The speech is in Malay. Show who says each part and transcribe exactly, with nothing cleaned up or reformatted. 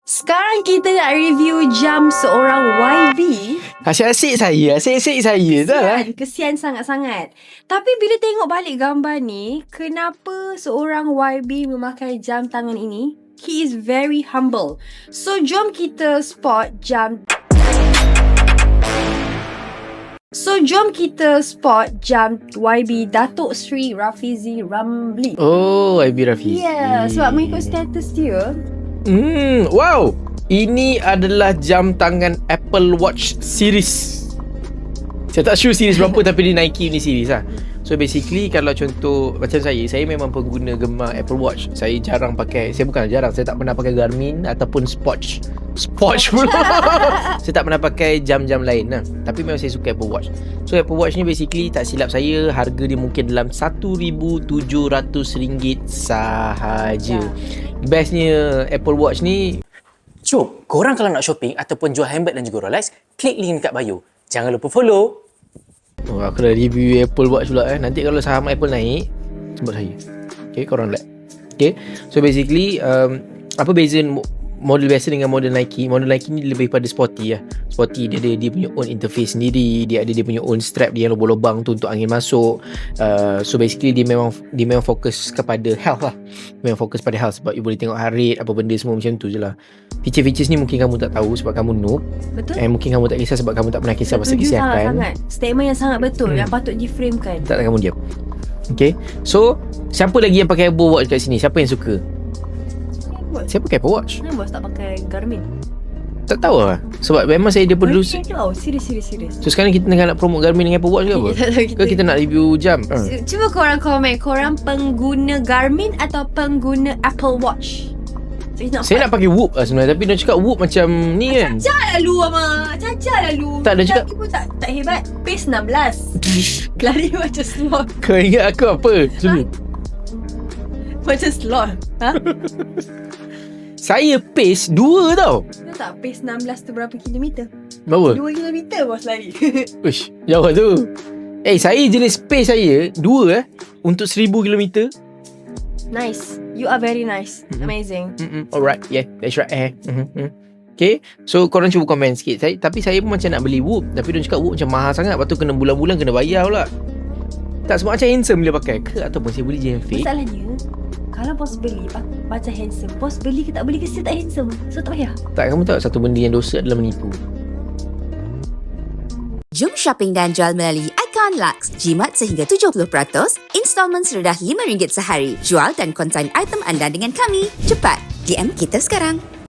Speaker 1: Sekarang kita nak review jam seorang Y B.
Speaker 2: Asyik-asyik saya, asyik-asyik saya dah lah.
Speaker 1: Kesian, kesian sangat-sangat. Tapi bila tengok balik gambar ni, kenapa seorang Y B memakai jam tangan ini? He is very humble. So, jom kita spot jam... So, jom kita spot jam Y B Datuk Seri Rafizi Ramli.
Speaker 2: Oh, Y B Rafizi.
Speaker 1: Ya, yeah, sebab mengikut status dia.
Speaker 2: Hmm, wow. Ini adalah jam tangan Apple Watch series. Saya tak sure series berapa tapi dia Nike ni series lah. So basically kalau contoh macam saya, saya memang pengguna gemar Apple Watch. Saya jarang pakai, saya bukan jarang, saya tak pernah pakai Garmin ataupun Swatch. Swatch pula. Saya tak pernah pakai jam-jam lain lah. Tapi memang saya suka Apple Watch. So Apple Watch ni basically tak silap saya, harga dia mungkin dalam seribu tujuh ratus ringgit sahaja. Bestnya Apple Watch ni,
Speaker 3: Cuk, korang kalau nak shopping ataupun jual handbag dan juga Rolex, klik link dekat bio. Jangan lupa follow.
Speaker 2: oh, aku dah review Apple Watch pula eh. Nanti kalau saham Apple naik, sebut saya. Okay, korang like. Okay, so basically um, apa beza model biasa dengan model Nike? Model Nike ni lebih pada sporty lah. Sporty, dia ada dia punya own interface sendiri, dia ada dia punya own strap dia yang lubang-lubang tu untuk angin masuk. Uh, so basically dia memang dia memang fokus kepada health lah. Memang fokus pada health sebab you boleh tengok heart rate, apa benda semua macam tu je lah. Feature-features ni mungkin kamu tak tahu sebab kamu noob.
Speaker 1: Betul.
Speaker 2: Eh mungkin kamu tak kisah sebab kamu tak pernah kisah pasal kesihatan.
Speaker 1: Sangat. Statement yang sangat betul hmm. yang patut diframekan.
Speaker 2: Tak, tak, kamu diam. Okay, so siapa lagi yang pakai Apple Watch kat sini? Siapa yang suka? Saya pakai Apple Watch.
Speaker 1: Kenapa bos tak pakai Garmin?
Speaker 2: Tak tahu lah. Sebab memang saya daripada dulu.
Speaker 1: Oh, serius, serius, serius.
Speaker 2: So sekarang kita tengah nak promote Garmin dengan Apple Watch ke apa? Ke kita nak review jam? Uh.
Speaker 1: Cuba korang komen, korang pengguna Garmin atau pengguna Apple Watch? So, nak
Speaker 2: saya nak pakai Whoop lah sebenarnya. Tapi dia cakap Whoop macam ni kan.
Speaker 1: Cacar lah lu ama. Cacar lah lu.
Speaker 2: Tak, dia cakap
Speaker 1: Tapi pun tak, tak hebat. Pace enam belas. Lari macam sloth.
Speaker 2: Kau ingat aku apa? Sini.
Speaker 1: Macam sloth. Ha?
Speaker 2: Saya pace dua tau.
Speaker 1: Tahu tak pace enam belas tu berapa kilometer?
Speaker 2: Berapa?
Speaker 1: dua kilometer bos lari.
Speaker 2: Uish, jauh tu. Eh, saya jenis pace saya dua eh untuk seribu kilometer.
Speaker 1: Nice. You are very nice.
Speaker 2: Mm-hmm.
Speaker 1: Amazing.
Speaker 2: Mm-hmm. Alright, yeah, that's right. Eh. Mm-hmm. Okay, so korang cuba komen sikit. Saya, tapi saya pun macam nak beli Whoop, tapi dia cakap Whoop macam mahal sangat. Lepas tu kena bulan-bulan kena bayar pula. Tak semua macam handsome bila pakai ke ataupun saya beli je yang fake.
Speaker 1: Masalahnya, kalau bos beli macam handsome, bos beli ke tak beli ke still tak handsome. So tak payah.
Speaker 2: Tak, kamu tahu satu benda yang dosa adalah menipu.
Speaker 4: Jom shopping dan jual melalui Icon Lux. Jimat sehingga tujuh puluh peratus, installment serendah lima ringgit sehari. Jual dan konsign item anda dengan kami. Cepat, D M kita sekarang.